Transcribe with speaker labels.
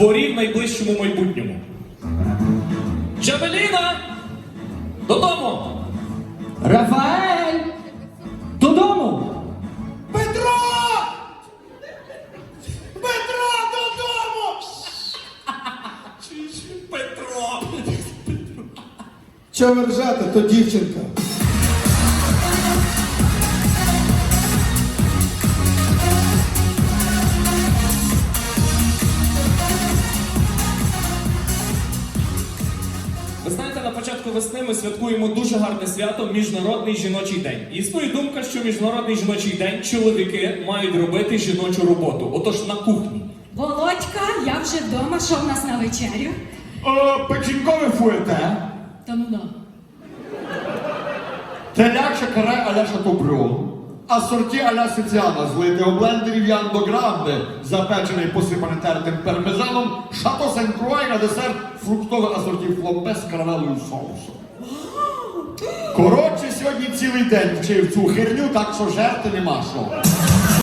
Speaker 1: дворі в найближчому майбутньому. Джавеліна! Додому!
Speaker 2: Рафаель! Додому!
Speaker 3: Петро! Петро, додому!
Speaker 1: Петро!
Speaker 3: Чого ви ржете, то дівчинка.
Speaker 1: Ви знаєте, на початку весни ми святкуємо дуже гарне свято – Міжнародний жіночий день. І існує думка, що Міжнародний жіночий день чоловіки мають робити жіночу роботу. Отож, на кухні.
Speaker 4: Володька, я вже вдома, що в нас на вечерю?
Speaker 5: Печінкове фуєте,
Speaker 4: Та ну да.
Speaker 5: теляче каре а-ля шатобрюн, асорті а-ля сиціана, злити у блендері в Яндо Гранде, запечений посипаний тертим пармезаном, шато сен-круа і на десерт фруктове асорті фломбе з карамелою соусом. Коротше, сьогодні цілий день вчив цю херню, так що жерти нема що.